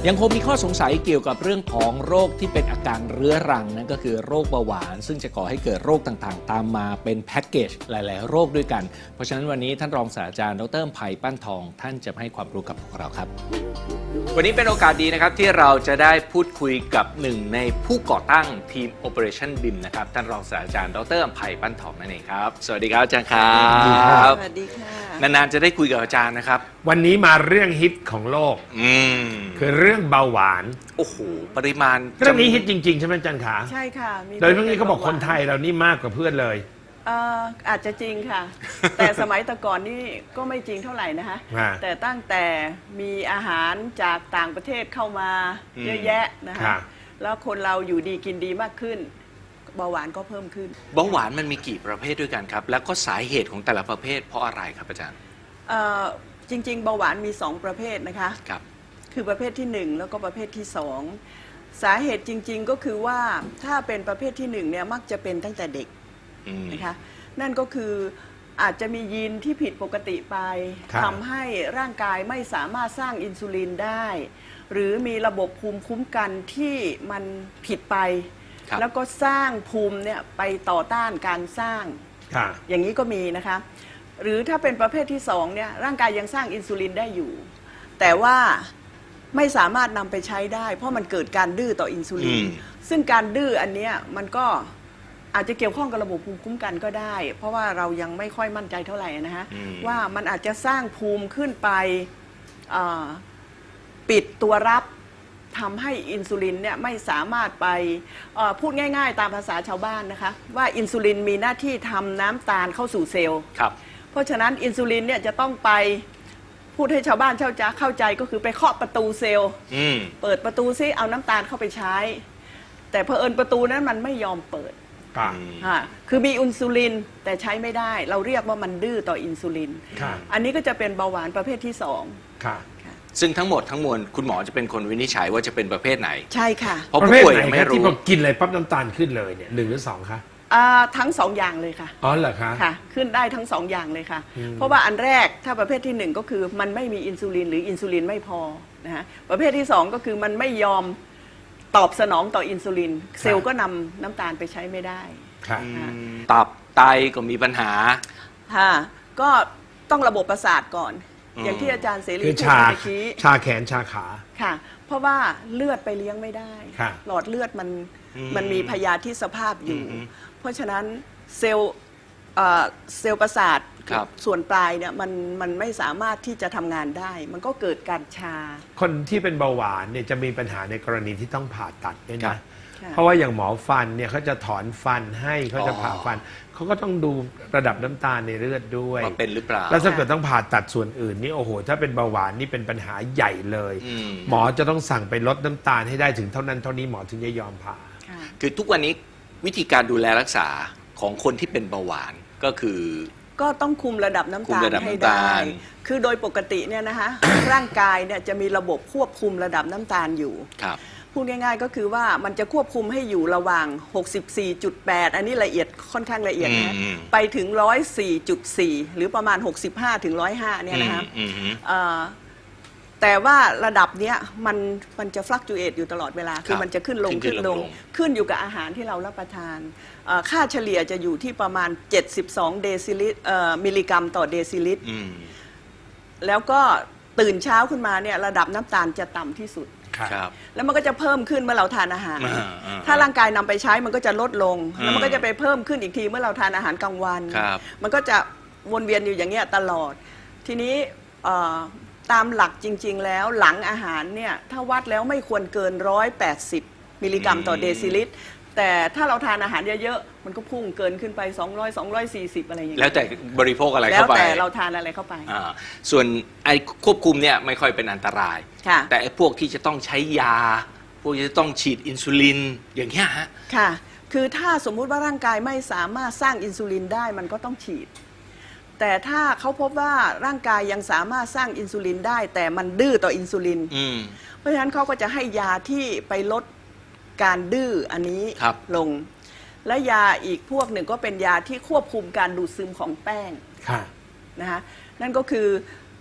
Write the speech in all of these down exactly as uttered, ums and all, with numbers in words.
ยังคงมีข้อสงสัยเกี่ยวกับเรื่องของโรคที่เป็นอาการเรื้อรังนั่นก็คือโรคเบาหวานซึ่งจะก่อให้เกิดโรคต่างๆตามมาเป็นแพ็กเกจหลายๆโรคด้วยกันเพราะฉะนั้นวันนี้ท่านรองศาสตราจารย์ดร.ไผ่ปั้นทองท่านจะให้ความรู้กับพวกเราครับวันนี้เป็นโอกาสดีนะครับที่เราจะได้พูดคุยกับหนึ่งในผู้ก่อตั้งทีม Operation บี ไอ เอ็ม นะครับท่านรองศาสตราจารย์ดร.ไผ่ปั้นทองนั่นเองครับสวัสดีครับอาจารย์ครับสวัสดีค่ะนานๆจะได้คุยกับอาจารย์นะครับวันนี้มาเรื่องฮิตของโลกอืมคือเรื่องเบาหวานโอ้โหปริมาณเรื่องนี้ฮิตจริงๆใช่ไหมอาจารย์ขาใช่ค่ะโดยเรื่องนี้เขาบอกคนไทยเรานี่มากกว่าเพื่อนเลยเอ่ออาจจะจริงค่ะ แต่สมัยแต่ก่อนนี่ก็ไม่จริงเท่าไหร่นะคะแต่ตั้งแต่มีอาหารจากต่างประเทศเข้ามาเยอะแยะนะคะแล้วคนเราอยู่ดีกินดีมากขึ้นเบาหวานก็เพิ่มขึ้นเบาหวานมันมีกี่ประเภทด้วยกันครับแล้วก็สาเหตุของแต่ละประเภทเพราะอะไรครับอาจารย์จริงๆเบาหวานมีสองประเภทนะคะครับคือประเภทที่หนึ่งแล้วก็ประเภทที่สองสาเหตุจริงๆก็คือว่าถ้าเป็นประเภทที่หนึ่งเนี่ยมักจะเป็นตั้งแต่เด็กนะคะนั่นก็คืออาจจะมียีนที่ผิดปกติไปทำให้ร่างกายไม่สามารถสร้างอินซูลินได้หรือมีระบบภูมิคุ้มกันที่มันผิดไปแล้วก็สร้างภูมิเนี่ยไปต่อต้านการสร้างอย่างนี้ก็มีนะคะหรือถ้าเป็นประเภทที่สองเนี่ยร่างกายยังสร้างอินซูลินได้อยู่แต่ว่าไม่สามารถนำไปใช้ได้เพราะมันเกิดการดื้อต่ออินซูลินซึ่งการดื้ออันนี้มันก็อาจจะเกี่ยวข้องกับระบบภูมิคุ้มกันก็ได้เพราะว่าเรายังไม่ค่อยมั่นใจเท่าไหร่นะฮะว่ามันอาจจะสร้างภูมิขึ้นไปปิดตัวรับทำให้อินซูลินเนี่ยไม่สามารถไปพูดง่ายๆตามภาษาชาวบ้านนะคะว่าอินซูลินมีหน้าที่ทำน้ำตาลเข้าสู่เซลล์เพราะฉะนั้นอินซูลินเนี่ยจะต้องไปพูดให้ชาวบ้านชาวจ้าเข้าใจก็คือไปเคาะประตูเซลล์เปิดประตูซิเอาน้ำตาลเข้าไปใช้แต่เผอิญประตูนั้นมันไม่ยอมเปิดคือมีอินซูลินแต่ใช้ไม่ได้เราเรียกว่ามันดื้อต่ออินซูลินอันนี้ก็จะเป็นเบาหวานประเภทที่สองซึ่งทั้งหมดทั้งมวลคุณหมอจะเป็นคนวินิจฉัยว่าจะเป็นประเภทไหนใช่ค่ะเพราะผู้ป่วยยังไม่รู้ที่พอกินอะไรปั๊บน้ำตาลขึ้นเลยเนี่ยหนึ่งหรือสองคะทั้งสองอย่างเลยค่ะอ๋อเหรอคะค่ะขึ้นได้ทั้งสองอย่างเลยค่ะเพราะว่าอันแรกถ้าประเภทที่หนึ่งก็คือมันไม่มีอินซูลินหรืออินซูลินไม่พอนะฮะประเภทที่สองก็คือมันไม่ยอมตอบสนองต่ออินซูลินเซลล์ก็นำน้ำตาลไปใช้ไม่ได้ตับไตก็มีปัญหาค่ะก็ต้องระบบประสาทก่อนอย่างที่อาจารย์เสรีพูดเมื่อกี้ชาแขนชาขาค่ะเพราะว่าเลือดไปเลี้ยงไม่ได้หลอดเลือดมันมันมีพยาธิสภาพอยู่เพราะฉะนั้นเซลล์เซลล์ประสาทส่วนปลายเนี่ยมันมันไม่สามารถที่จะทำงานได้ มันก็เกิดการชาคนที่เป็นเบาหวานเนี่ยจะมีปัญหาในกรณีที่ต้องผ่าตัดเนี่ยนะเพราะว่าอย่างหมอฟันเนี่ยเขาจะถอนฟันให้เขาจะผ่าฟันเขาก็ต้องดูระดับน้ำตาลในเลือดด้วยว่าเป็นหรือเปล่าแล้วถ้าเกิดต้องผ่าตัดส่วนอื่นนี่โอ้โหถ้าเป็นเบาหวานนี่เป็นปัญหาใหญ่เลยหมอจะต้องสั่งไปลดน้ำตาลให้ได้ถึงเท่านั้นเท่านี้หมอถึงจะยอมผ่าคือทุกวันนี้วิธีการดูแลรักษาของคนที่เป็นเบาหวานก็คือก็ต้องคุมระดับน้ำตาลให้ได้คือโดยปกติเนี่ยนะคะร่างกายเนี่ยจะมีระบบควบคุมระดับน้ำตาลอยู่พูดง่ายๆก็คือว่ามันจะควบคุมให้อยู่ระหว่าง หกสิบสี่จุดแปด อันนี้ละเอียดค่อนข้างละเอียดนะไปถึง หนึ่งร้อยสี่จุดสี่ หรือประมาณ หกสิบห้าถึงหนึ่งร้อยห้า เนี่ยนะคะแต่ว่าระดับเนี้ยมันมันจะฟลักจูเอตอยู่ตลอดเวลาคือมันจะขึ้นลงขึ้นลงขึ้นอยู่กับอาหารที่เรารับประทานค่าเฉลี่ยจะอยู่ที่ประมาณเจ็ดสิบสองเดซิลิตรมิลลิกรัมต่อเดซิลิตรแล้วก็ตื่นเช้าขึ้นมาเนี่ยระดับน้ำตาลจะต่ำที่สุดแล้วมันก็จะเพิ่มขึ้นเมื่อเราทานอาหารถ้าร่างกายนำไปใช้มันก็จะลดลงแล้วมันก็จะไปเพิ่มขึ้นอีกทีเมื่อเราทานอาหารกลางวันมันก็จะวนเวียนอยู่อย่างเงี้ยตลอดทีนี้ตามหลักจริงๆแล้วหลังอาหารเนี่ยถ้าวัดแล้วไม่ควรเกินหนึ่งร้อยแปดสิบมิลลิกรัมต่อเดซิลิตรแต่ถ้าเราทานอาหารเยอะๆมันก็พุ่งเกินขึ้นไปสองร้อย สองร้อยสี่สิบอะไรอย่างเงี้ยแล้วแต่บริโภคอะไรเข้าไปแล้วแต่เราทานอะไรเข้าไปส่วนไอ้ควบคุมเนี่ยไม่ค่อยเป็นอันตรายแต่ไอ้พวกที่จะต้องใช้ยาพวกที่จะต้องฉีดอินซูลินอย่างเงี้ยฮะค่ะคือถ้าสมมุติว่าร่างกายไม่สามารถสร้างอินซูลินได้มันก็ต้องฉีดแต่ถ้าเขาพบว่าร่างกายยังสามารถสร้างอินซูลินได้แต่มันดื้อต่ออินซูลินเพราะฉะนั้นเขาก็จะให้ยาที่ไปลดการดื้ออันนี้ลงและยาอีกพวกหนึ่งก็เป็นยาที่ควบคุมการดูดซึมของแป้งนะคะนั่นก็คือ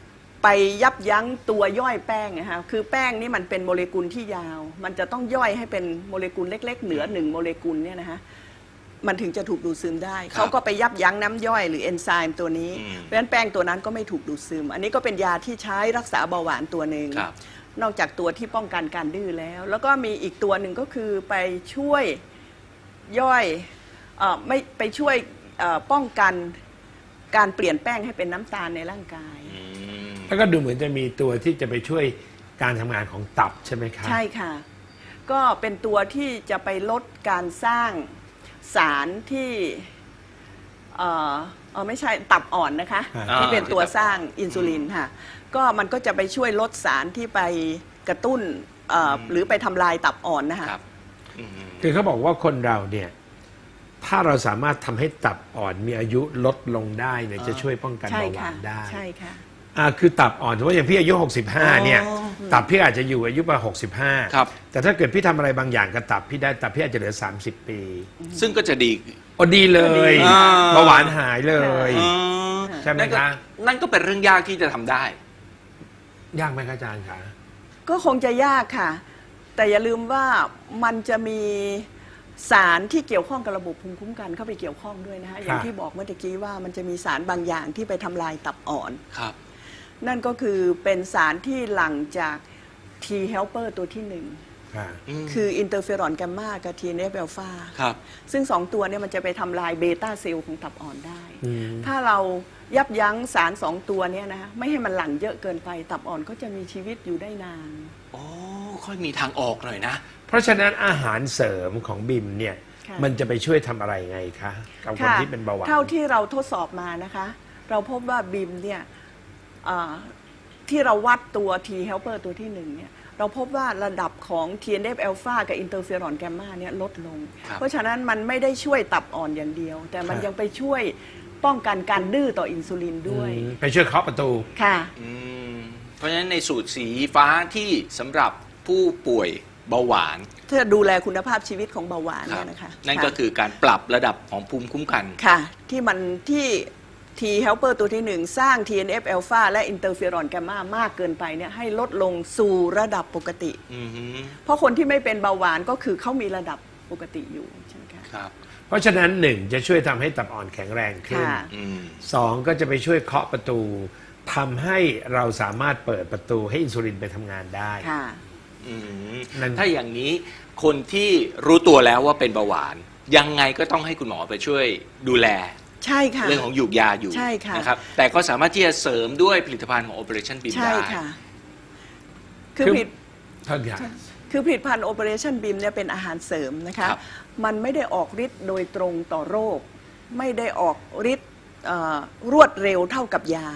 ไปยับยั้งตัวย่อยแป้งนะคะคือแป้งนี่มันเป็นโมเลกุลที่ยาว มันจะต้องย่อยให้เป็นโมเลกุลเล็กๆเหนือหนึ่งโมเลกุลเนี่ยนะคะมันถึงจะถูกดูดซึมได้เขาก็ไปยับยั้งน้ำย่อยหรือเอนไซม์ตัวนี้เพราะฉะนั้นแป้งตัวนั้นก็ไม่ถูกดูดซึมอันนี้ก็เป็นยาที่ใช้รักษาเบาหวานตัวหนึ่งนอกจากตัวที่ป้องกันการดื้อแล้วแล้วก็มีอีกตัวหนึ่งก็คือไปช่วยย่อยเอ่อไม่ไปช่วยเอ่อป้องกันการเปลี่ยนแป้งให้เป็นน้ำตาลในร่างกายแล้วก็ดูเหมือนจะมีตัวที่จะไปช่วยการทำงานของตับใช่ไหมครับใช่ค่ะก็เป็นตัวที่จะไปลดการสร้างสารที่เอ่อเออไม่ใช่ตับอ่อนนะคะที่เป็นตัวสร้างอินซูลินค่ะก็มันก็จะไปช่วยลดสารที่ไปกระตุ้นหรือไปทำลายตับอ่อนนะคะคือเขาบอกว่าคนเราเนี่ยถ้าเราสามารถทำให้ตับอ่อนมีอายุลดลงได้เนี่ยจะช่วยป้องกันเบาหวานได้ใช่ค่ะอ่าคือตับอ่อนถือว่าอย่างพี่อายุหกสิบห้าเนี่ยตับพี่อาจจะอยู่อายุประมาณหกสิบห้าครับแต่ถ้าเกิดพี่ทำอะไรบางอย่างกับตับพี่ได้ตับพี่อาจจะเหลือสามสิบปีซึ่งก็จะดีโอ้ดีเลยเบาหวานหายเลยใช่ไหมคะนั่นก็เป็นเรื่องยากที่จะทำได้ยากไหมอาจารย์คะก็คงจะยากค่ะแต่อย่าลืมว่ามันจะมีสารที่เกี่ยวข้องกับระบบภูมิคุ้มกันเข้าไปเกี่ยวข้องด้วยนะคะอย่างที่บอกเมื่อกี้ว่ามันจะมีสารบางอย่างที่ไปทำลายตับอ่อนครับนั่นก็คือเป็นสารที่หลั่งจาก T helper ตัวที่หนึ่งคืออินเตอร์เฟอรอนแกมมากับ ที เอ็น เอฟ อัลฟาซึ่งสองตัวนี้มันจะไปทำลายเบต้าเซลล์ของตับอ่อนได้ถ้าเรายับยั้งสารสองตัวนี้นะไม่ให้มันหลั่งเยอะเกินไปตับอ่อนก็จะมีชีวิตอยู่ได้นานโอ้ค่อยมีทางออกหน่อยนะเพราะฉะนั้นอาหารเสริมของบิมเนี่ยมันจะไปช่วยทำอะไรไงคะกับคนที่เป็นเบาหวานเท่าที่เราทดสอบมานะคะเราพบว่าบิมเนี่ยที่เราวัดตัว T helper ตัวที่หนึ่งเนี่ยเราพบว่าระดับของ ที เอ็น เอฟ อัลฟากับอินเตอร์เฟอรอนแกมมาเนี่ยลดลงเพราะฉะนั้นมันไม่ได้ช่วยตับอ่อนอย่างเดียวแต่มันยังไปช่วยป้องกันการดื้อต่ออินซูลินด้วยไปช่วยเคาะประตูค่ะเพราะฉะนั้นในสูตรสีฟ้าที่สำหรับผู้ป่วยเบาหวานเพื่อดูแลคุณภาพชีวิตของเบาหวานเนี่ยนะคะนั่นก็คือการปรับระดับของภูมิคุ้มกันค่ะที่มันที่ T helper ตัวที่หนึ่งสร้าง ที เอ็น เอฟ อัลฟาและอินเตอร์เฟอรอนแกมมามากเกินไปเนี่ยให้ลดลงสู่ระดับปกติเพราะคนที่ไม่เป็นเบาหวานก็คือเขามีระดับปกติอยู่ใช่ไหมคะครับเพราะฉะนั้นหนึ่งจะช่วยทำให้ตับอ่อนแข็งแรงขึ้นสองก็จะไปช่วยเคาะประตูทำให้เราสามารถเปิดประตูให้อินซูลินไปทำงานได้ถ้าอย่างนี้คนที่รู้ตัวแล้วว่าเป็นเบาหวานยังไงก็ต้องให้คุณหมอไปช่วยดูแลใช่ค่ะเรื่องของหยูกยาอยู่นะครับแต่ก็สามารถที่จะเสริมด้วยผลิตภัณฑ์ของ Operation Beam ได้ใช่ค่ะคือผลิตคือผลิตภัณฑ์ Operation Beam เนี่ยเป็นอาหารเสริมนะคะมันไม่ได้ออกฤทธิ์โดยตรงต่อโรคไม่ได้ออกฤทธิ์รวดเร็วเท่ากับยา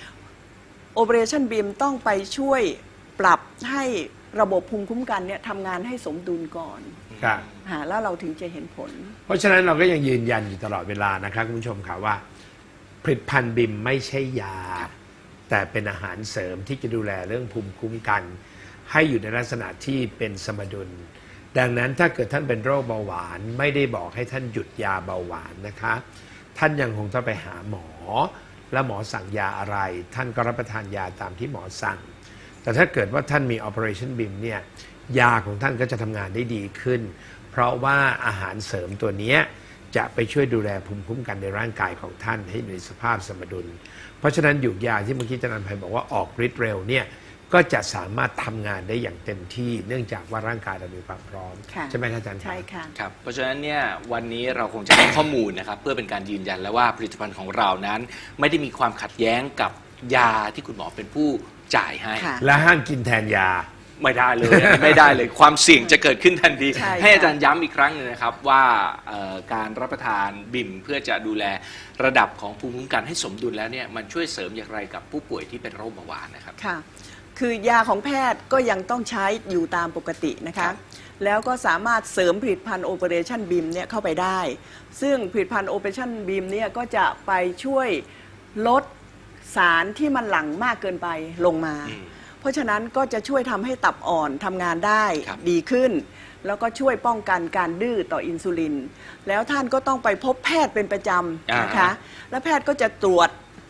Operation Beam ต้องไปช่วยปรับให้ระบบภูมิคุ้มกันเนี่ยทำงานให้สมดุลก่อนแล้วเราถึงจะเห็นผลเพราะฉะนั้นเราก็ยังยืนยันอยู่ตลอดเวลานะครับคุณผู้ชมค่ะว่าผลิตภัณฑ์บิมไม่ใช่ยาแต่เป็นอาหารเสริมที่จะดูแลเรื่องภูมิคุ้มกันให้อยู่ในลักษณะที่เป็นสมดุลดังนั้นถ้าเกิดท่านเป็นโรคเบาหวานไม่ได้บอกให้ท่านหยุดยาเบาหวานนะคะท่านยังคงต้องไปหาหมอและหมอสั่งยาอะไรท่านก็รับประทานยาตามที่หมอสั่งแต่ถ้าเกิดว่าท่านมี Operation Beam เนี่ยยาของท่านก็จะทำงานได้ดีขึ้นเพราะว่าอาหารเสริมตัวนี้จะไปช่วยดูแลภูมิคุ้มกันในร่างกายของท่านให้อยู่ในสภาพสมดุลเพราะฉะนั้นหยูกยาที่เมื่อกี้อาจารย์ไพบอกว่าออกฤทธิ์เร็วเนี่ยก็จะสามารถทำงานได้อย่างเต็มที่เนื่องจากว่าร่างกายเรามีความพร้อมใช่ไหมอาจารย์ใช่ค่ะครับเพราะฉะนั้นเนี่ยวันนี้เราคงจะให้ข้อมูลนะครับเพื่อเป็นการยืนยันแล้วว่าผลิตภัณฑ์ของเรานั้นไม่ได้มีความขัดแย้งกับยาที่คุณหมอเป็นผู้จ่ายให้และห้ามกินแทนยาไม่ได้เลยไม่ได้เลยความเสี่ยงจะเกิดขึ้นทันทีให้อาจารย์ย้ำอีกครั้งหนึ่งนะครับว่าการรับประทานบิมเพื่อจะดูแลระดับของภูมิคุ้มกันให้สมดุลแล้วเนี่ยมันช่วยเสริมอย่างไรกับผู้ป่วยที่เป็นโรคเบาหวานนะครับค่ะคือยาของแพทย์ก็ยังต้องใช้อยู่ตามปกตินะคะแล้วก็สามารถเสริมผลิตภัณฑ์ Operation Beam เนี่ยเข้าไปได้ซึ่งผลิตภัณฑ์ Operation Beam เนี่ยก็จะไปช่วยลดสารที่มันหลั่งมากเกินไปลงมาเพราะฉะนั้นก็จะช่วยทำให้ตับอ่อนทำงานได้ดีขึ้นแล้วก็ช่วยป้องกันการดื้อต่ออินซูลินแล้วท่านก็ต้องไปพบแพทย์เป็นประจำนะคะและแพทย์ก็จะตรวจ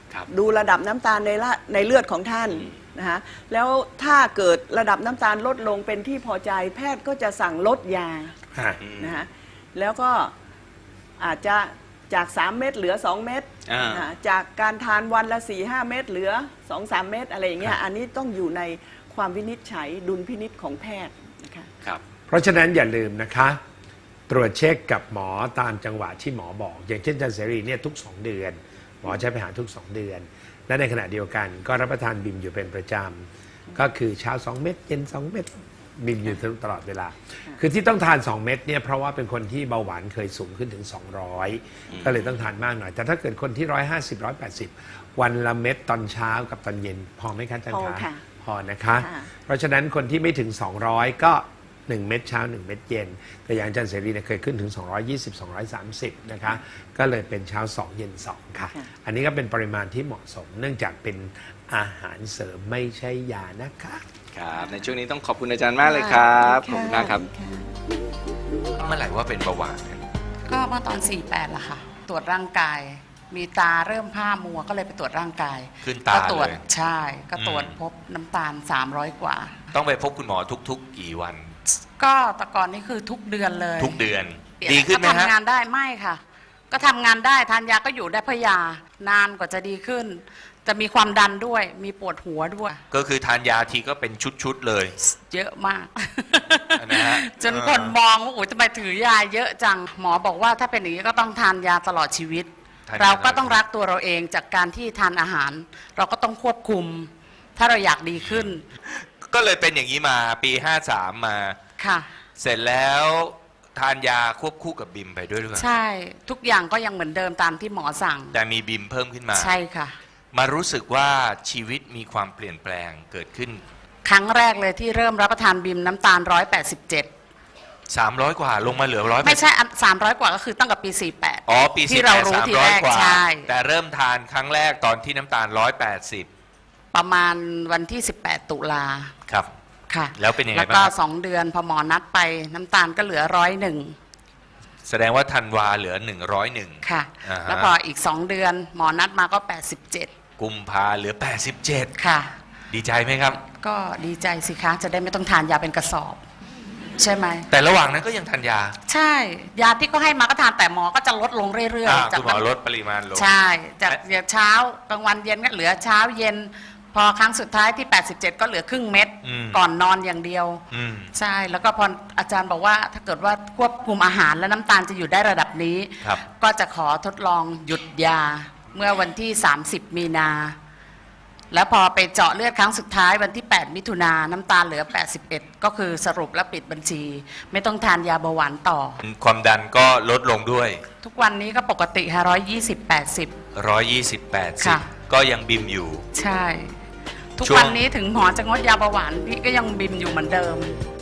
ครับดูระดับน้ำตาลในละในเลือดของท่านนะคะแล้วถ้าเกิดระดับน้ำตาลลดลงเป็นที่พอใจแพทย์ก็จะสั่งลดยาฮะนะคะแล้วก็อาจจะจาก สาม เม็ดเหลือ สอง เม็ดอ่าอ่าจากการทานวันละ สี่ห้า เม็ดเหลือ สองสาม เม็ดอะไรอย่างเงี้ครัยบอันนี้ต้องอยู่ในความวินิจฉัยดุลพินิจของแพทย์นะคะครับเพราะฉะนั้นอย่าลืมนะคะ ตรวจเช็คกับหมอตามจังหวะที่หมอบอก อย่างเช่นอาจารย์เสรีเนี่ยทุก สอง เดือน หมอใช้ไปหาทุก สอง เดือน และในขณะเดียวกันก็รับประทานบิมอยู่เป็นประจำก็คือเช้า สอง เม็ดเย็น สอง เม็ดบิมอยู่ตลอดเวลา คือที่ต้องทาน สอง เม็ดเนี่ยเพราะว่าเป็นคนที่เบาหวานเคยสูงขึ้นถึง สองร้อย ก็เลยต้องทานมากหน่อย แต่ถ้าเกิดคนที่ หนึ่งร้อยห้าสิบ หนึ่งร้อยแปดสิบ วันละเม็ดตอนเช้ากับตอนเย็นพอไหมคะอาจารย์พอคะค่ะพอนะคะค่ะเพราะฉะนั้นคนที่ไม่ถึง สองร้อย ก็หนึ่งเม็ดเช้าหนึ่งเม็ดเย็น แต่อย่างอาจารย์เสรีเนี่ยเคยขึ้นถึง สองร้อยยี่สิบ สองร้อยสามสิบ นะคะ ก็เลยเป็นเช้าสองเย็นสองค่ะค่ะอันนี้ก็เป็นปริมาณที่เหมาะสม เนื่องจากเป็นอาหารเสริมไม่ใช่ยานะคะครับ ในช่วงนี้ต้องขอบคุณอาจารย์มากเลยครับ ขอบคุณมากครับค่ะเมื่อไหร่ว่าเป็นเบาหวานก็เมื่อตอน สี่แปดละค่ะ ตรวจร่างกาย มีตาเริ่มผ้ามัวก็เลยไปตรวจร่างกายขึ้นตาก็ตรวจเลยใช่ ก็ตรวจอืมพบน้ำตาล สามร้อย กว่าต้องไปพบคุณหมอทุก ๆ กี่วันก็แต่ก่อนนี่คือทุกเดือนเลยทุกเดือนเปลี่ยดีขึ้นไหมก็ฮะทำงานได้ไม่ค่ะ ก็ทำงานได้ทานยาก็อยู่ได้เพราะยานานกว่าจะดีขึ้น จะมีความดันด้วย มีปวดหัวด้วยก็คือทานยาทีก็เป็นชุด ๆ เลยเยอะมากนะฮะจนคนมองว่าโอ้ยทำไมถือยาเยอะจัง หมอบอกว่าถ้าเป็นอย่างนี้ก็ต้องทานยาตลอดชีวิตทานยาเราก็ต้องรักตัวเราเองจากการที่ทานอาหาร เราก็ต้องควบคุม ถ้าเราอยากดีขึ้นก็เลยเป็นอย่างนี้มาปีห้าสามมาค่ะเสร็จแล้วทานยาควบคู่กับบิมไปด้วยหรือเปล่าใช่ทุกอย่างก็ยังเหมือนเดิมตามที่หมอสั่งแต่มีบิมเพิ่มขึ้นมาใช่ค่ะมารู้สึกว่าชีวิตมีความเปลี่ยนแปลงเกิดขึ้นครั้งแรกเลยที่เริ่มรับประทานบิมน้ำตาลหนึ่งร้อยแปดสิบเจ็ดสามร้อย กว่าลงมาเหลือร้อยไม่ใช่สามร้อยกว่าก็คือตั้งแต่ปีสี่แปดอ๋อปีที่สี่เราแปดรู้สามทีร้อแรยกกว่าใช่แต่เริ่มทานครั้งแรกตอนที่น้ำตาลร้อยแปดสิบประมาณวันที่สิบแปดตุลาครับค่ะแล้วเป็นยังไงแล้วก็บ้างครับสองเดือนพอหมอนัดไปน้ำตาลก็เหลือร้อยหนึ่งแสดงว่าธันวาเหลือหนึ่งร้อยหนึ่งค่ะอ่าฮะแล้วพออีกสองเดือนหมอนัดมาก็แปดสิบเจ็ดกุมภาเหลือแปดสิบเจ็ดค่ะดีใจไหมครับก็ดีใจสิคะ จะได้ไม่ต้องทานยาเป็นกระสอบ ใช่ไหมแต่ระหว่างนั้นก็ยังทานยาใช่ ยาที่ก็ให้มาก็ทานแต่หมอก็จะลดลงเรื่อยอ่าๆ จากคุณหมอลดปริมาณลงใช่ จากเช้ากลางวันเย็นก็เหลือเช้าเย็น พอครั้งสุดท้ายที่ แปดสิบเจ็ด ก็เหลือครึ่งเม็ดอืมก่อนนอนอย่างเดียวอืมใช่ แล้วก็พออาจารย์บอกว่าถ้าเกิดว่าควบคุมอาหารและน้ำตาลจะอยู่ได้ระดับนี้ครับก็จะขอทดลองหยุดยาเมื่อวันที่ สามสิบ มีนา แล้วพอไปเจาะเลือดครั้งสุดท้ายวันที่ แปด มิถุนาน้ำตาลเหลือ แปดสิบเอ็ด ก็คือสรุปและปิดบัญชี ไม่ต้องทานยาเบาหวานต่อความดันก็ลดลงด้วยทุกวันนี้ก็ปกติค่ะร้อยยี่สิบแปดสิบร้อยยี่สิบแปดสิบค่ะก็ยังบิมอยู่ใช่ ทุกช่วงวันนี้ถึงหมอจะงดยาเบาหวานพี่ก็ยังบิมอยู่เหมือนเดิม